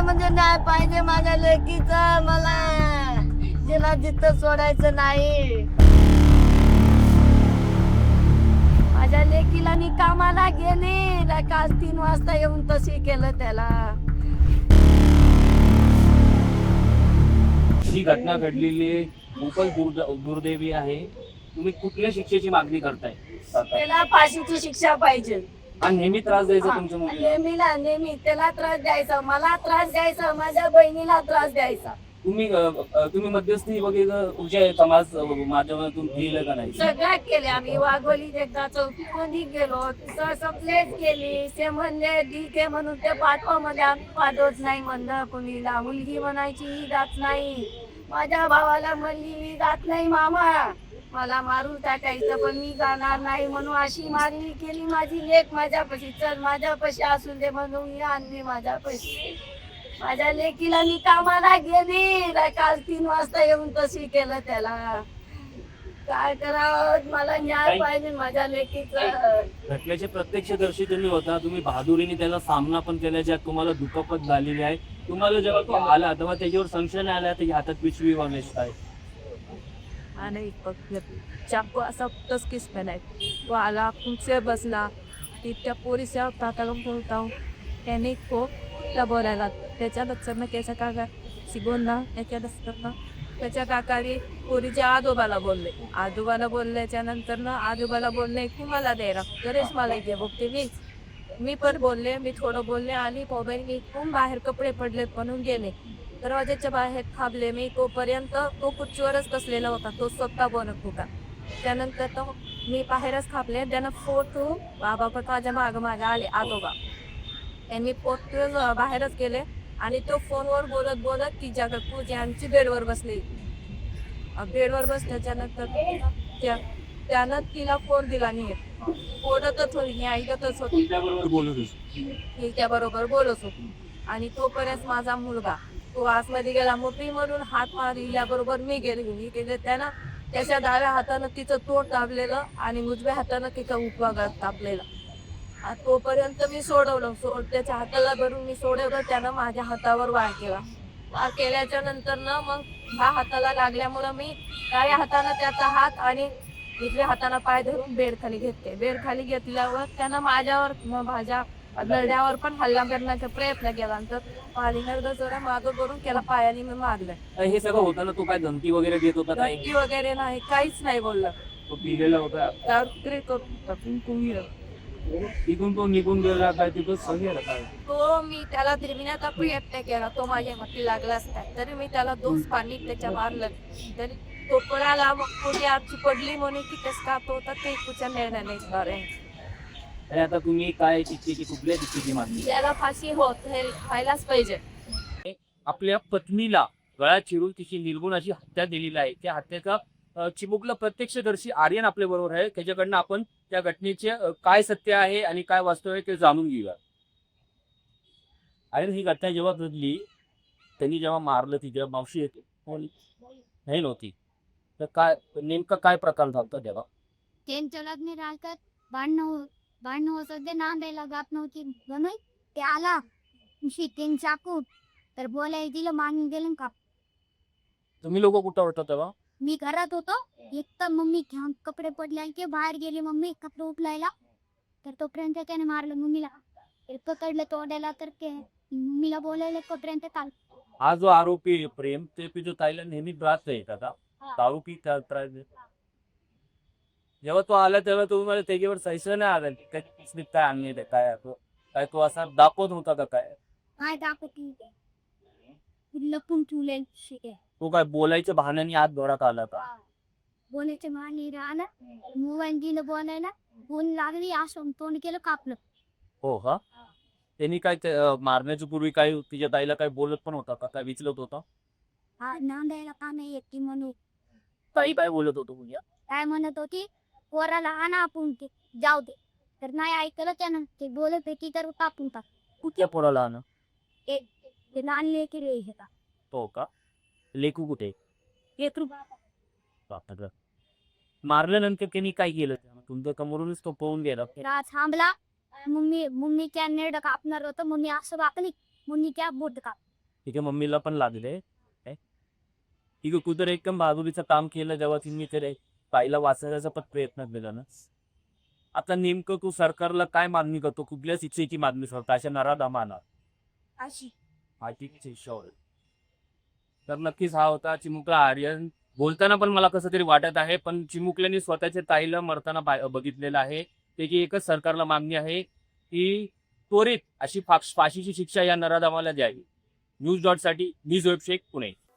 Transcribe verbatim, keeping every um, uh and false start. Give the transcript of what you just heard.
म्हणजे न्याय पाहिजे माझ्या लेकीचा. मला तिला जिथं सोडायचं नाही. माझ्या लेकीला मी कामाला गेली, काल तीन वाजता येऊन तशी केलं त्याला. ही घटना घडलेली खूपच दुर्द- दुर्दैवी आहे. तुम्ही कुठल्या शिक्षेची मागणी करताय? त्याला फाशीची शिक्षा पाहिजे. आणि नेहमी त्रास द्यायचा तुमच्या मुलीला? नेहमीला नेहमी त्याला त्रास द्यायचा, मला त्रास द्यायचा, माझ्या बहिणीला त्रास द्यायचा. तुम्ही अ, अ, तुम्ही मध्यस्थी वगैरे तुमच्या समाज अ, माध्यमातून केलं का नाही? सगळ्यात केले आम्ही. वाघोली एकदा चौकीमध्ये गेलो, तिथं कंप्लेंट केली. ते म्हणले ठीक आहे म्हणून ते पाठवामध्ये आम्ही पाठवत नाही म्हणलं कुणीला. मुलगी म्हणायची ही जात नाही. माझ्या भावाला म्हणली मी जात नाही मामा, मला मारून टाकायचं पण मी जाणार नाही म्हणून अशी मारणी केली. माझी लेक माझ्यापाशी, चल माझ्यापाशी असू दे म्हणून मी आणली माझ्यापाशी. माझ्या लेकीला मी कामाला गेली, काल तीन वाजता येऊन तशी केलं त्याला. काय करावं, मला न्याय पाहिजे माझ्या लेकीचं. घटनेचे प्रत्यक्षदर्शी तुम्ही होता, तुम्ही बहादुरीने त्याला सामना पण केला, ज्यात तुम्हाला दुखापत झालेली आहे. तुम्हाला जेव्हा तो आला तेव्हा त्याच्यावर संशय नाही आला त्याच्या हातात पिशवी वगैरे काय? आणि चाकू असा टचकीस पेलाय. तो आला, खुर्चीवर बसला, ती त्या पोरीच्या काकाला बोलता त्याने तो त्या बोलायला त्याच्या लक्षात त्याच्या काका शिकवून त्याच्या लक्षात त्याच्या काकाने पोरीच्या आजोबाला बोलले. आजोबाला बोलल्याच्या नंतर ना आजोबाला बोलले की मला द्यायला गणेश मला इथे बघते मीच मी पण बोलले, मी थोडं बोलले आणि मोबाईल घेऊन बाहेर कपडे पडले म्हणून गेले. दरवाजाच्या बाहेर थांबले मी. तोपर्यंत तो खुर्चीवरच बसलेला होता, तो स्वतः बोलत होता. त्यानंतर तो मी बाहेरच थांबले. त्यानं फोटो बाबा पण माझ्या माग मागे आले आजोबा. त्यांनी फोटो बाहेरच गेले आणि तो फोनवर बोलत बोलत तिच्या पूजी आमची बेडवर बसली. बेडवर बसल्याच्या नंतर त्या त्यानं तिला फोन दिला नाही. बोलतच होती, ऐकतच होती, त्या बरोबर बोलत होती. आणि तोपर्यंत माझा मुलगा तो आतमध्ये गेला. मोठी म्हणून हात मारल्याबरोबर मी गेले मी गेले त्यानं त्याच्या डाव्या हातानं तिचं तोंड दाबलेलं आणि उजव्या हातानं तिचं उपवागात तापलेलं. तोपर्यंत मी सोडवलं. सोड त्याच्या हाताला धरून मी सोडवलं. त्यानं माझ्या हातावर वार केला. वार केल्याच्या नंतर ना मग ह्या हाताला लागल्यामुळं मी डाव्या हातानं त्याचा हात आणि उजव्या हातानं पाय धरून बेड खाली घेतले. बेड खाली घेतल्यावर त्यानं माझ्यावर माझ्या लढ्यावर पण हल्ला करण्याचा प्रयत्न केला. तर पालिनर जरा मागं करून त्याला पायाने मी मारलं. हे सगळं होताना तो काय धमकी वगैरे देत होता? धमकी वगैरे नाही, काहीच नाही बोलला. तो पिलेला होता? तिथून तो निघून गेला काय? तिथं सगळे काय तो मी त्याला फिरविण्याचा प्रयत्न केला. तो माझ्या हाती लागला असता तरी मी त्याला दोन पाणी त्याच्या मारलं. तरी तो पळाला. मग कोणी आजची पडली म्हणून की कस का तो होता ते कुठच्या निर्णय नाही. आणि आता तुम्ही काय शिक्षेची कुठल्या शिक्षेची मागणी? त्याला फाशी होत हे व्हायलाच पाहिजे. आपल्या पत्नीला गळा चिरून तिची निर्गुण अशी हत्या दिलेली आहे. त्या हत्येचा अ, चिमुकला प्रत्यक्षदर्शी आर्यन आपल्या बरोबर आहे. त्याच्याकडनं आपण त्या घटनेचे अ, काय सत्य आहे आणि काय वास्तव आहे ते जाणून घेऊया. आर्यन, ही घटना जेव्हा घडली त्यांनी जेव्हा मारलं तिच्या मावशी येते नाही नव्हती तर काय नेमका काय प्रकार झाला तेव्हा? त्यांच्या लग्न राहतात भांडणं भांडणं होत होते, नांदायला जात नव्हती म्हणून ते आला शिकेन चाकू तर बोलायला दिलं, मागून गेलं का. तुम्ही लोक कुठं होता तेव्हा? मी घरात होतो. एक तर मम्मी घ्यान कपडे पडले की बाहेर गेली मम्मी कपडे उचलायला. तर तोपर्यंत त्याने मारलं मम्मीला. पकडलं तोडायला तर ते मम्मीला बोलायला तोपर्यंत काल. हा जो आरोपी आहे प्रेम ते पितो ताईला नेहमी त्रास देत आता दारू पी त्रास देत. जेव्हा तो आला तेव्हा तुम्हाला त्याच्यावर सैसं नाही आला काय काय आणले काय काय तो असा दाखवत होता का काय? काय दाखवती लपून ठेवले शिके. तो काय बोलायच्या बहाण्याने आत घरात आला का? बोलायचे मानी राहणार मोबाईल दिलं बोलायला. बोल लागली असं तोंड केलं कापलं. हो का? त्यांनी काय ते, अं, मारण्याच्या पूर्वी काय तिच्या ताईला काय बोलत पण होता का? काय विचलत होता? हा नांदायला का नाही येत ती म्हणून. ताई काय बोलत होतो तुझ्या? काय म्हणत होती पोराला आणा आपण ते जाऊ दे. तर नाही ऐकलं त्यानं. ते बोलत होती तर कापून टाक. कुठल्या पोराला आण? ते लहान लेकी रे हे का तो का? लेकू कुठे? एक रुपया बापरे. मारल्यानंतर त्यांनी काय केलं? तुमच्या कमरूनच तो पळून गेला. रात थांबला. मम्मी मम्मी त्या नेड कापणार होतं. मम्मी असं वाकली. मम्मी त्या बोट काप तिच्या मम्मीला पण लागले. काय ठीक आहे, कुठं एकदम बहादुरीचं काम केलं जेव्हा तिने ते ताईला वाचवण्याचा पण प्रयत्न केला ना. आता नेमकं तू सरकारला काय मागणी करतो, कुठल्या शिक्षेची मागणी करतो अशा नराधमांना? अशी आर्थिक शिक्षा. तर नक्कीच हा होता चिमुकला आर्यन. बोलताना पण मला कसं तरी वाटत आहे, पण चिमुकल्याने स्वतःच्या ताईला मरताना पा- बघितलेलं आहे. त्याची एकच सरकारला मागणी आहे की त्वरित अशी फा- फाशीची शिक्षा या नराधमाला द्यावी. न्यूज डॉट साठी मी जोएब शेख, पुणे.